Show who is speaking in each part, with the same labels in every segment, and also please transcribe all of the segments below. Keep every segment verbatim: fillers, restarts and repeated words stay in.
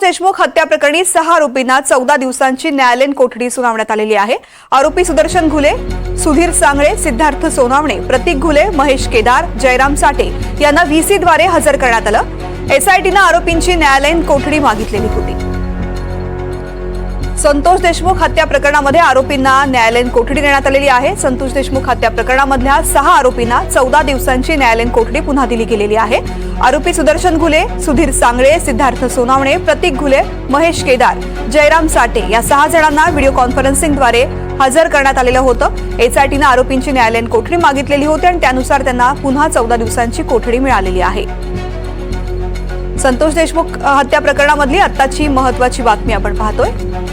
Speaker 1: देशमुख हत्या प्रकरणी सहा आरोपींना चौदा दिवसांची न्यायालयीन कोठडी सुनावण्यात आलेली आहे। आरोपी सुदर्शन घुले, सुधीर सांगळे, सिद्धार्थ सोनावणे, प्रतीक घुले, महेश केदार, जयराम साठे यांना व्हीसीद्वारे हजर करण्यात आलं। एसआयटीनं आरोपींची न्यायालयीन कोठडी मागितलेली होती। संतोष देशमुख हत्या प्रकरणामध्ये आरोपींना न्यायालयीन कोठडी देण्यात आलेली आहे। संतोष देशमुख हत्या प्रकरणामधल्या सहा आरोपींना चौदा दिवसांची न्यायालयीन कोठडी पुन्हा दिली गेलेली आहे। आरोपी सुदर्शन घुले, सुधीर सांगळे, सिद्धार्थ सोनावणे, प्रतीक घुले, महेश केदार, जयराम साठे या सहा जणांना व्हिडिओ कॉन्फरन्सिंगद्वारे हजर करण्यात आलेलं होतं। एसआयटीनं आरोपींची न्यायालयीन कोठडी मागितलेली होती आणि त्यानुसार त्यांना पुन्हा चौदा दिवसांची कोठडी मिळालेली आहे। संतोष देशमुख हत्या प्रकरणामधली आत्ताची महत्त्वाची बातमी आपण पाहतोय।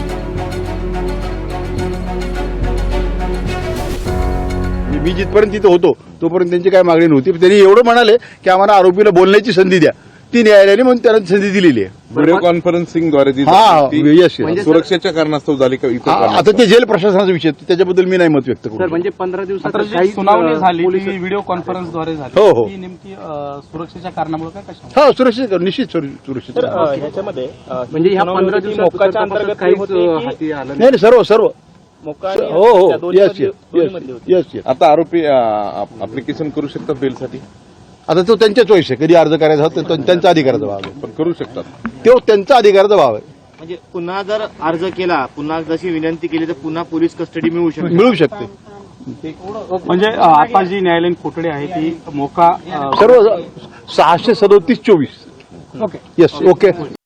Speaker 2: मी जिथपर्यंत तिथे होतो तोपर्यंत त्यांची काय मागणी नव्हती। त्यांनी एवढं म्हणाले की आम्हाला आरोपीला बोलण्याची संधी द्या, ती न्यायालयाने म्हणून त्यांना संधी दिलेली आहे।
Speaker 3: व्हिडिओ कॉन्फरन्सिंगद्वारे सुरक्षेच्या कारणास्तव झाली का?
Speaker 2: आता ते जेल प्रशासनाचा विषय, त्याच्याबद्दल मी नाही मत व्यक्त करू।
Speaker 4: म्हणजे पंधरा दिवसात
Speaker 5: सुनावणी झाली व्हिडिओ कॉन्फरन्सद्वारे झाली,
Speaker 2: हो हो,
Speaker 5: नेमकी सुरक्षेच्या कारणामुळे काय कशा?
Speaker 2: हा सुरक्षित निश्चित सुरक्षित
Speaker 4: ह्याच्यामध्ये म्हणजे ह्या पंधरा दिवसाच्या अंतर्गत काही हाती आलं
Speaker 2: नाही नाही, सर्व सर्व हो हो, येस येस येस।
Speaker 3: आता आरोपी ऍप्लिकेशन करू शकतात बेलसाठी?
Speaker 2: आता तो त्यांच्या चॉईस आहे, कधी अर्ज करायचा होता तो त्यांचा अधिकाराचा भाग आहे,
Speaker 3: पण करू शकतात
Speaker 2: तो त्यांचा अधिकाराचा भाग आहे।
Speaker 4: म्हणजे पुन्हा जर अर्ज केला, पुन्हा जशी विनंती केली तर पुन्हा पोलीस कस्टडी मिळू शकते
Speaker 2: मिळू शकते।
Speaker 5: म्हणजे आता जी न्यायालयीन कोठडी आहे ती मोका
Speaker 2: सर्व सहाशे सदोतीस चोवीस।
Speaker 5: Okay
Speaker 2: yes okay.